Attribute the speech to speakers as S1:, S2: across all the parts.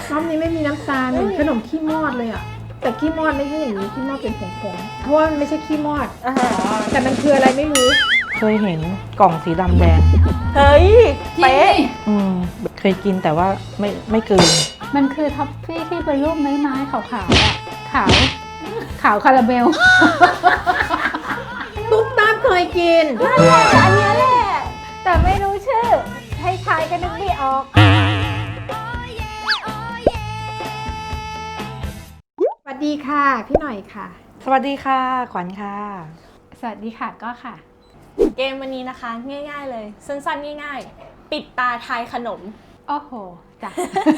S1: รอบนี้ไม่มีน้ำตาลเหมือนขนมขี้มอดเลยอ่ะแต่ขี้มอดไม่ใช่อย่างนี้ขี้มอดเป็นผงๆเพราะว่ามันไม่ใช่ขี้มอดแต่มันคืออะไรไม่รู้
S2: เคยเห็นกล่องสีดำแดง
S3: เฮ้ยเป๊ะ
S2: เคยกินแต่ว่าไม่เกิน
S4: มันคือท็อฟฟี่ที่เป็นรูปไม้ขาวๆอ่ะขาวคาราเมล
S1: ตุ๊กตาเคยกิน
S3: อันนี้แหละ
S4: แต่ไม่รู้ชื่อให้ทายกันนึกไม่ออก
S1: สวัสดีค่ะพี่หน่อยค่ะ
S2: สวัสดีค่ะขวัญค่ะ
S4: สวัสดีค่ะก็ค่ะ
S3: เกมวันนี้นะคะง่ายๆเลยสั้นๆง่ายๆปิดตาทายขนม
S4: โอ้โหจ้ะ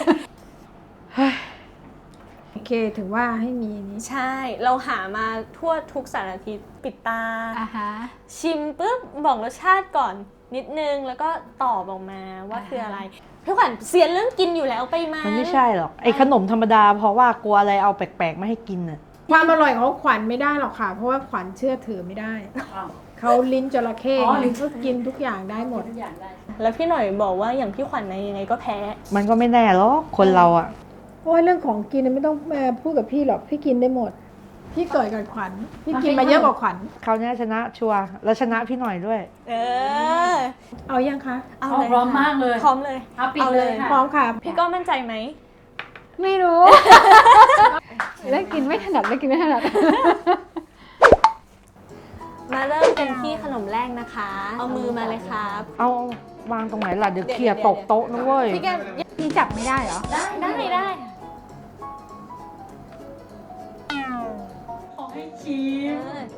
S1: โอเคถือว่าให้มีนี้
S3: ใช่เราหามาทั่วทุกสารทิศปิดตาชิมปุ๊บบอกรสชาติก่อนนิดนึงแล้วก็ตอบออกมาว่าคืออะไรพี่ขวัญเซียนเรื่องกินอยู่แล้วไปมา
S2: มันไม่ใช่หรอกไอ้ขนมธรรมดาเพราะว่ากลัวอะไรเอาแปลกๆไม่ให้กินน่ะ
S1: ความอร่อยของขวัญไม่ได้หรอกค่ะเพราะว่าขวัญเชื่อถือไม่ได้เขาลิ้นจระเข้ก็กินทุกอย่างได้หมด
S3: แล้วพี่หน่อยบอกว่าอย่างพี่ขวัญยังไงก็แพ้
S2: มันก็ไม่แน่หรอกคนเราอ่ะ
S1: โอ้ยเรื่องของกินไม่ต้องมาพูดกับพี่หรอกพี่กินได้หมดพี่เกิดกับขวัญพี่กินมาเยอะกว่าขวัญ
S2: คราวนี้ชนะชัวร์แล้วชนะพี่หน่อยด้วย
S1: เอายังคะ
S3: เอาเลย
S4: พร้อมมากเลย
S3: พร้อมเลย
S4: เอาเลย
S1: พร้อมค่ะ
S3: พี่ก็มั่นใจไหม
S4: ไม่รู้เล่นกินไม่ถนัด
S3: มาเริ่มกันที่ขนมแรกนะคะเอามือมาเลยครับ
S2: เอาวางตรงไหนล่ะเดี๋ยวเขี่ยตกโต๊ะนะเว้ย
S4: พี่จับไม่ได้เหรอ
S3: ได้
S4: ขอให้ชิม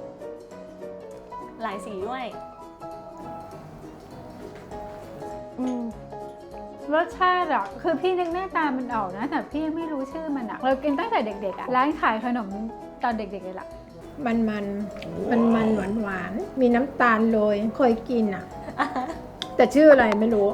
S3: หลายสีด้วย
S4: รสชาติอะคือพี่นึกหน้าตามันออกนะแต่พี่ไม่รู้ชื่อมันอะเรากินตั้งแต่เด็กๆอะร้านขายขนมตอนเด็กๆเลยล่ะ
S1: มันหวานมีน้ำตาลโรยเคยกินอ่ะแต่ชื่ออะไรไม่รู้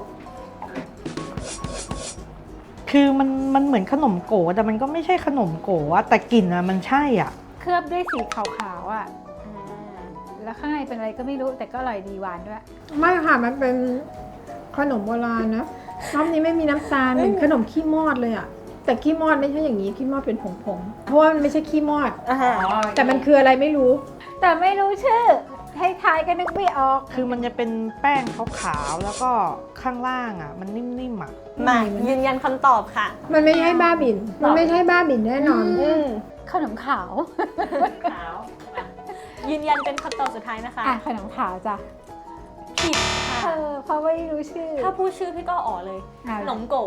S2: คือมันเหมือนขนมโก๋แต่มันก็ไม่ใช่ขนมโก๋อะแต่กลิ่นอะมันใช่อ่ะ
S4: เคลือบด้วยสีขาวๆอะแล้วข้างในเป็นอะไรก็ไม่รู้แต่ก็อร่อยดีหวานด้วย
S1: ไม่ค่ะมันเป็นขนมโบราณนะรอบนี้ไม่มีน้ำตาลเหมือนขนมขี้มอดเลยอ่ะแต่ขี้มอดไม่ใช่อย่างนี้ขี้มอดเป็นผงๆเพราะว่ามันไม่ใช่ขี้มอดแต่มันคืออะไรไม่รู้
S4: แต่ไม่รู้ชื่อให้ทายกันนึกไม่ออก
S2: คือมันจะเป็นแป้งขาวๆแล้วก็ข้างล่างอ่ะมันนิ่มๆอ่ะ
S3: มายืนยันคำตอบค่ะ
S1: มันไม่ใช่บ้าบิ่นแน่นอน
S4: ขนมขาว
S3: ยืนยันเป็นคำตอบสุดท้ายนะคะ
S4: ขนมขาวจ้ะ
S3: ผิดค่ะ
S4: เพราะไม่รู้ชื่อ
S3: ถ้าพูดชื่อพี่ก็อ๋อเลยขนมโก๋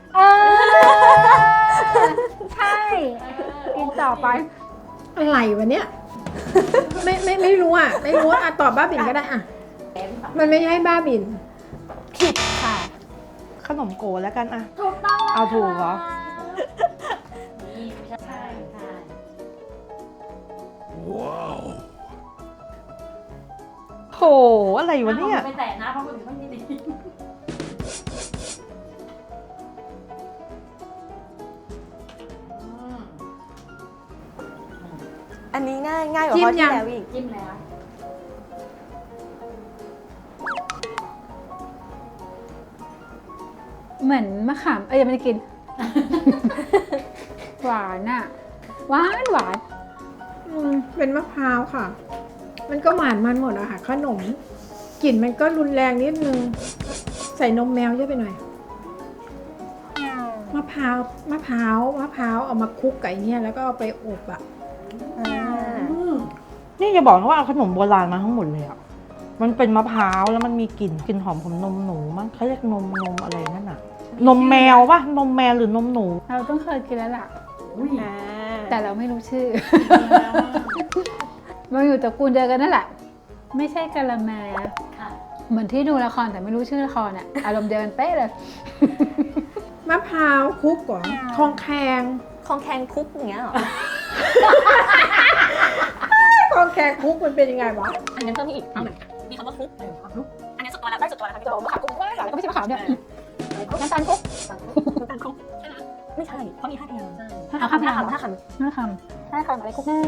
S4: ใช่กินต่อไป
S1: อะไรวะเนี่ยไม่รู้อ่ะตอบบ้าบิ่นก็ได้อ่ะมันไม่ใช่บ้าบิ่น
S3: ผิดค่ะ
S2: ขนมโก๋แล้วกันอ่ะ
S4: ถูกต้อง
S2: เอาถูกเหรอ
S4: ใช่
S2: ว้าวโหอะไรวะเนี่ย
S4: ไม่แตะนะเพราะคนอื่นไม่ดี
S3: อันนี้ง่ายกว่าข้อที่แล้วอีก
S4: จิ้มแล้วเหมือนมะขามยังไม่ได้กินหวานอ่ะหวาน
S1: เป็นมะพร้าวค่ะมันก็หวานมันหมดอะค่ะขนมกลิ่นมันก็รุนแรงนิดนึงใส่นมแมวเยอะไปหน่อยมะพร้าวเอามาคลุกไก่เนี่ยแล้วก็เอาไปอบอะ
S2: นี่จะบอกนะว่าเอาขนมโบราณมาทั้งหมดเลยอ่ะมันเป็นมะพร้าวแล้วมันมีกลิ่นหอมของนมหนูมั้งเขาเรียกนมอะไรนั่นน่ะนมแมวป่ะนมแมวหรือนมหนู
S4: เราต้องเคยกินแล้วล่ะแต่เราไม่รู้ชื่อมันอยู่ตระกูลเดียวกันนั่นแหละไม่ใช่กะละแมเหมือนที่ดูละครแต่ไม่รู้ชื่อละครอ่ะอารมณ์เดียวกันเป๊ะเลย
S1: มะพร้าวคลุกก่อนคองแคง
S3: คุกอย่างเงี้ยหรอ
S1: คองแคงคุกมันเป็นยังไงวะ
S3: อันนั้นเพิ่มอีกมีคำว่าคุกอันนี้สุดตัวแล้วได้สุดตัวแล้วค่ะพี่โจมะขามคุก
S4: แล้วก็ไม่ใช่มะขามเนี่ยน้ำตาลคุก
S3: ไม่ใช่เพราะมี5คำ
S4: 5คำอะไรคุกแน่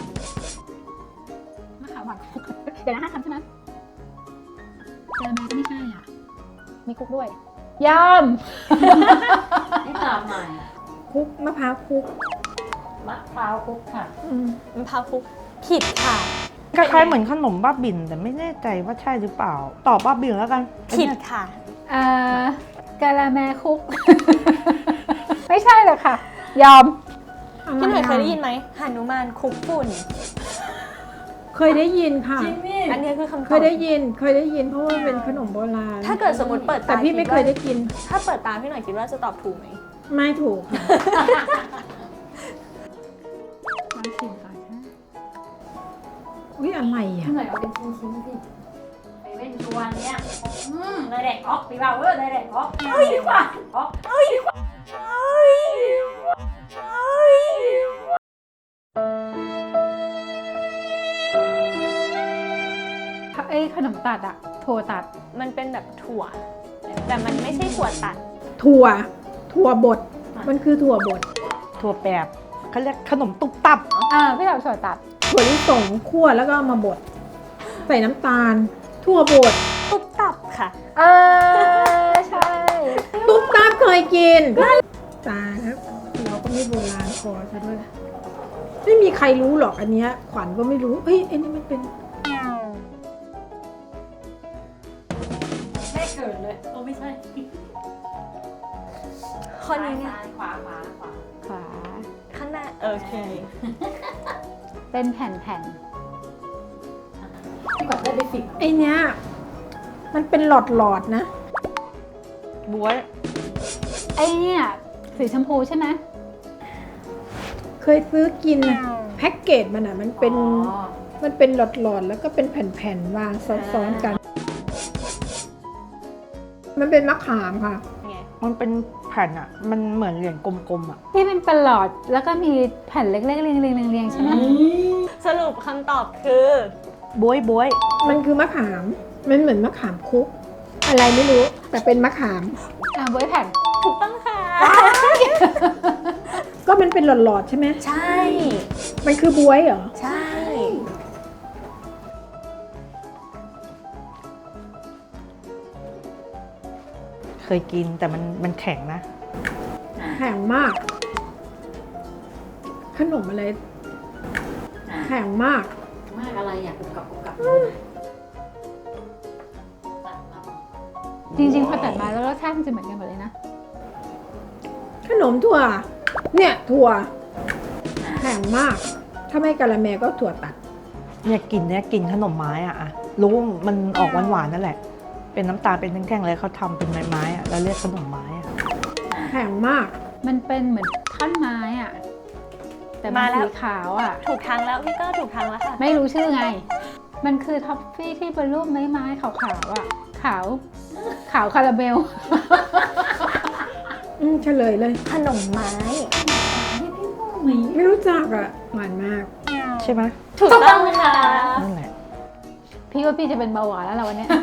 S4: มะขามหวานคุกเดี๋ยวนะ5คำใช่ไหมเจอมาก็ไม่ใช่อ่ะมีคุกด้วยยำ
S5: ให้ตอบหน่อย
S1: คุกมะพร้าวคุก
S5: มะพร้าวคลุกค่ะ
S3: มะพร้าวคลุกผิดค่ะ
S2: คล้ายๆเหมือนขนมบ้าบินแต่ไม่แน่ใจว่าใช่หรือเปล่า ตอบบ้าบินแล้วกัน
S3: ผิดค่ะ
S4: กะละแมคุก ไม่ใช่หรอกค่ะ ยอม
S3: พี่หน่อยเคยได้ยินไหมหนุมานคลุกฝุ่น
S1: เคยได้ยินค่ะ
S3: อันนี้คือคำตอบ
S1: เคยได้ยินเพราะว่าเป็นขนมโบราณ
S3: ถ้าเกิดสมมติเปิด
S1: แต่
S3: ตา
S1: พี่ไม่เคยได้กิน
S3: ถ้าเปิดตาพี่หน่อยคิดว่าจะตอบถูกไหม
S1: ไม่ถูกค่ะ
S4: มาชิมก่อนนะ
S1: อุ้ยอะไรอ่ะ
S5: หน่อยเอาเป็นชิ้นๆสิไปเว้นตัวเนี้ยได้แดกออกพี่บ่าวได้แดกออกเอาดีกว่าออกเอาดีกว่า
S4: ไอ้ขนมตัดอะถั่วตัด
S3: มันเป็นแบบถั่ว แต่มันไม่ใช่ถั่วตัด
S1: ถั่วบด มันคือถั่วบด
S2: ถั่วแปบเขาเรียกขนมตุบตับ
S4: พี่เราถั่วตัด
S1: ถั่วลิสงคั่วแล้วก็เอามาบด ใส่น้ำตาล ถั่วบด
S3: ตุ๊บตับค่ะ
S4: ใช่
S1: ตุ๊กตาเคยกินตาครับเราก็ไม่โบราณพอซะด้วย ไม่มีใครรู้หรอกอันเนี้ยขวัญก็ไม่รู้ เฮ้ยไอ้นี่มันเป็น
S5: แม่เกิดเลยโอ้ไม่ใช่
S3: ข้อนี้เนี่ย
S5: ซ้ายขวา
S4: ขวา
S3: ข้างหน้าโอเค
S4: เป็นแผ่น
S5: พี่กว่าได้ไปสิบ
S1: ไอ้เนี้ยมันเป็นหลอดๆนะ
S2: บวย
S4: ๆไอ้เนี่ยสีชมพูใช่ไหม
S1: เคยซื้อกินนะแพ็กเกจมันอ่ะมันเป็นหลอดๆแล้วก็เป็นแผ่นๆวางซ้อนๆกัน มันเป็นมะขามค่ะ
S2: มันเป็นแผ่นอ่ะ มันเหมือนเหรียญกลมๆอ่ะ
S4: ที่เป็นประหลอดแล้วก็มีแผ่นเล็กๆเรียงๆใช่ไหม
S3: สรุปคำตอบคือ
S2: บวย
S1: มันคือมะขาม มันเหมือนมะขามคุก อะไรไม่รู้ แต่เป็นมะขาม
S4: บวยแผ่น
S3: ถูกต้องค่ะ
S1: ก็มันเป็นหลอดๆใช่ไหม
S3: ใช่
S1: มันคือบวยเหรอ
S3: ใช่
S2: เคยกินแต่มันแข็งนะ
S1: แข็งมาก ขนมอะไร แข็งมาก
S5: มากอะไรอยากกุกกับ
S4: จริงๆพอตัดมาแล้วรสชาติมันจะเหมือนกันหมดเลยนะ
S1: ขนมถั่ว เนี่ยถั่ว แข็งมาก ถ้าไม่กะละแมก็ถั่วตัด
S2: เนี่ยกินขนมไม้อ่ะอะรู้ว่ามันออกหวานๆนั่นแหละ เป็นน้ำตาลเป็นแท่งๆเลยเขาทำเป็นไม้ๆอ่ะแล้วเรียกขนมไม้อ่ะ
S1: แข็งมาก
S4: มันเป็นเหมือนท่อนไม้อะแต่มันสีขาวอะ
S3: ถูกทางแล้วพี่ก็ถูกทางแล้วค่ะ
S4: ไม่รู้ชื่อไง มันคือท็อฟฟี่ที่เป็นรูปไม้ขาวๆอะขาวคาราเมล
S1: เฉลยเลย
S3: ขนมไม้
S1: ไม่รู้จักอ่ะ หวานมาก
S2: ใช่ไหม
S3: ถูกต้องค่ะ
S2: นั่นแหละ
S4: พี่ว่าพี่จะเป็นเบาหวานแล้วล่ะวันเนี้ย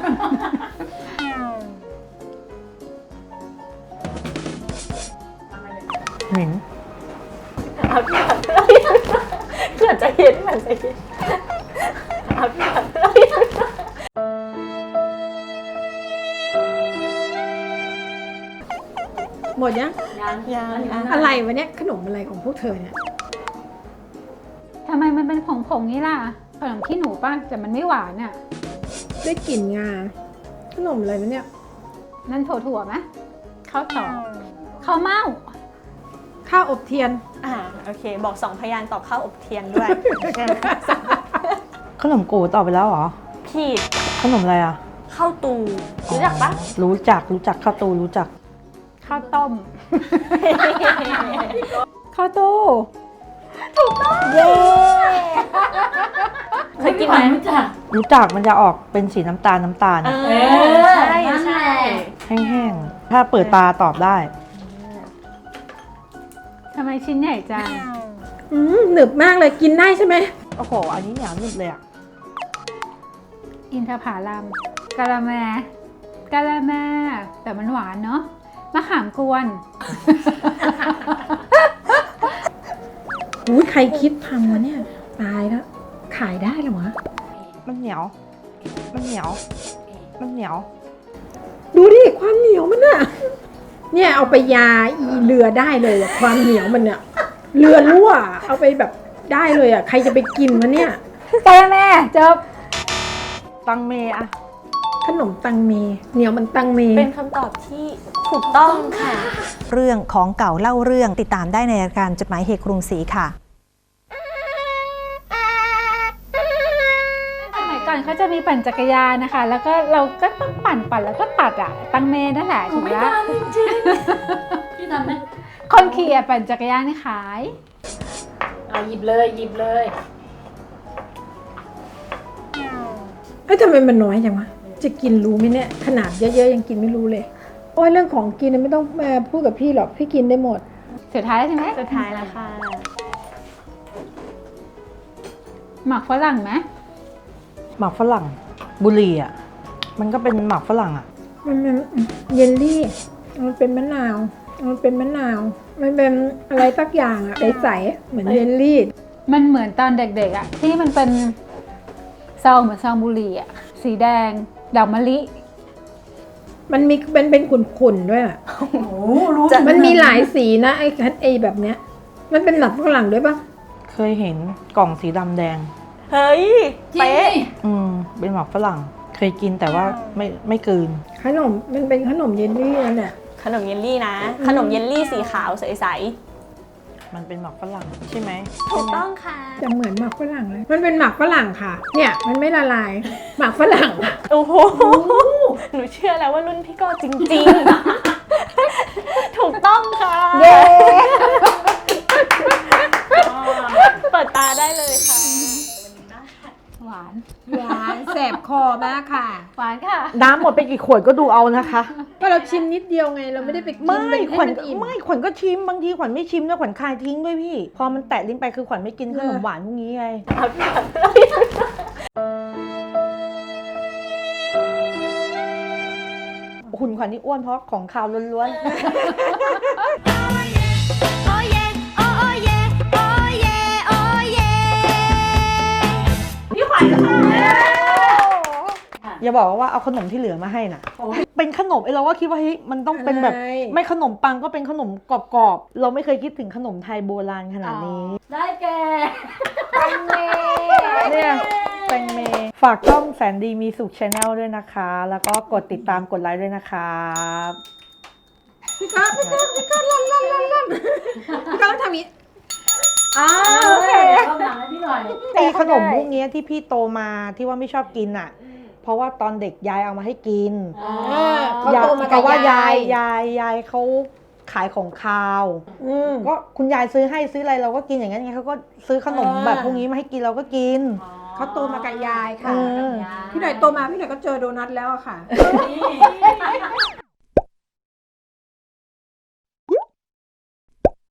S2: เหม็น
S3: เอาที่แบบเกิดจะเห็นเหมือนจะเห็นเอาที่แบบ
S1: หมดยัง
S3: ยัง
S1: อะไรวะเนี่ย ขนมอะไรของพวกเธอเนี่ย
S4: ทำไมมันเป็นผงๆนี่ล่ะ ขนมขี้หนูป่ะแต่มันไม่หวานอะ
S1: ได้กลิ่นงา ขนมอะไรวะเนี่ย
S4: นั่นถั่วไหมข้าวตอกข้าวเม่า
S1: ข้าวอบเทียน
S3: โอเค บอก2พยางค์ตอบข้าวอบเทียนด้วย
S2: ขนมโกต่อไปแล้วเหรอ
S3: ผิด
S2: ขนมอะไรอ่ะ
S3: ข้าวตูรู้จักปะ
S2: รู้จักข้าวตูรู้จัก
S4: ข้าวต้ม ข้าวตู้
S3: เย้เคยกินไหม
S2: รู้จักมันจะออกเป็นสีน้ำตาลอะ
S3: ใช่ใช่
S2: แห้งๆ ถ้าเปิดตาตอบได้
S4: ทำไมชิ้นใหญ่จัง
S1: หนึบมากเลยกินได้ใช่ไหม
S2: โอ้โห อันนี้เหนียวนุ่มเลยอ่ะ
S4: อินทผลัมกะละแมแต่มันหวานเนาะมะขามกวน
S1: หูยใครคิดทำวะเนี่ย ตายแล้ว ขายได้เหรอวะ
S2: มันเหนียว
S1: ดูดิ ความเหนียวมันอะเนี่ยเอาไปยาอีเรือได้เลยอะความเหนียวมันเนี่ยเรือรั่วเอาไปแบบได้เลยอ่ะใครจะไปกินวะเนี่ย
S4: ไปแล้วแม่จบ
S2: ตังเมอะ
S1: ขนมตังเมเหนียวมันตังเม
S3: เป็นคำตอบที่ถูกต้องค่ะ
S6: เรื่องของเก่าเล่าเรื่องติดตามได้ในรายการจดหมายเหตุกรุงศรีค่ะ
S4: สมัยก่อนเขาจะมีปั่นจักรยานนะคะ แล้วก็เราก็ต้องปั่นแล้วก็ตัดอ่ะ ตังเมนั่นแหละถูกแล้ว
S5: พี่ทำไหม
S4: คนขี่อะปั่นจักรยานนี่ขาย
S5: เอาหยิบเลยหยิบเลย
S1: เอ้ยทำไมมันน้อยจังวะจะกินรู้ไหมเนี่ยขนาดเยอะๆยังกินไม่รู้เลยโอ้ยเรื่องของกินไม่ต้องมาพูดกับพี่หรอกพี่กินได้หมด
S4: สุดท้ายใช่ไหม
S3: สุดท้ายแล้วค่ะ
S4: หมักฝรั่งไหม
S2: หมักฝรั่งบุหรี่อะมันก็เป็นหมักฝรั่งอะ
S1: มันเป็นเยลลี่มันเป็นมะนาวมันเป็นมะนาวมันเป็นอะไรสักอย่างอะใสๆเหมือนเยลลี่
S4: มันเหมือนตอนเด็กๆอ่ะที่มันเป็นซองเหมือนซองบุหรี่อ่ะสีแดงดอกมะลิ
S1: มันเป็นขุ่นๆด้วยอะ
S5: โอ้โหรู้
S1: มันมีหลายสีนะไอ้แบบเนี้ย มันเป็นหลักฝรั่งด้วยปะ
S2: เคยเห็นกล่องสีดำแดง
S3: เฮ้ย
S5: จริง
S3: เป๊ะ
S5: ดิ
S2: เป็นหมักฝรั่ง เคยกินแต่ว่าไม่กลืน
S1: ขนมมันเป็นขนมเยลลี่นั่นแหละ
S3: ขนมเยลลี่นะ ขนมเยลลี่สีขาวใส
S2: มันเป็นหมักฝรั่งใช่ไหม
S3: ๆถูกต้องค่ะ
S1: จะเหมือนหมักฝรั่งเลย มันเป็นหมักฝรั่งค่ะ เนี่ยมันไม่ละลาย หมักฝรั่ง
S3: โอ้โห หนูเชื่อแล้วว่ารุ่นพี่ก็จริงๆ ถูกต้องค่ะ
S4: เย้
S3: เปิดตาได้เลยค่ะ
S4: หวาน
S1: หวานแสบคอมากค่ะ
S4: หวานค่ะ
S2: น้ำหมดไปกี่ขวดก็ดูเอานะคะ
S1: ก็เราชิมนิดเดียวไงเราไม่ได้ไปกิน
S2: ไม่
S1: ให้
S2: ขวัญ
S1: มันอิ่ม
S2: ไม่ขวัญก็ชิมบางทีขวัญไม่ชิมแล้วขวัญคายทิ้งด้วยพี่ พอมันแตะลิ้นไปคือขวัญไม่กินขนมหวานพวกนี้ไงหุ่นขวัญนี่อ้วนเพราะของคาวล้วนๆอย่าบอกว่าเอาขนมที่เหลือมาให้นะเป็นขนมเราก็คิดว่าเฮ้ยมันต้องเป็นแบบ
S1: อะไร
S2: ไม่ขนมปังก็เป็นขนมกรอบๆ เราไม่เคยคิดถึงขนมไทยโบราณขนาดนี้
S5: ได้แก่
S2: เนี่ยแตงเมฝากช่องแสนดีมีสุขชาแนลด้วยนะคะ แล้วก็กดติดตามกดไลค์ด้วยนะครับ
S1: พี่ก๊อฟทำอย่างนี้
S5: โอเคเข้ามาให้พี่หน่อย
S2: ไอขนมพวกเนี้ยที่พี่โตมาที่ว่าไม่ชอบกินอ่ะ เพราะว่าตอนเด็กยายเอามาให้กิน
S1: เขาโตมา
S2: เพ
S1: กับ
S2: ราะว่ายาย
S1: ยาย
S2: เขาขายของคาว ก็คุณยายซื้อให้ซื้ออะไรเราก็กินอย่างนั้นไงเขาก็ซื้อขนมแบบพวกนี้มาให้กินเราก็กิน
S1: เขาโตมากับยายค่ะ
S2: เออ
S1: พี่หน่อยโตมาพี่หน่อยก็เจอโดนัทแล้วอะค่ะ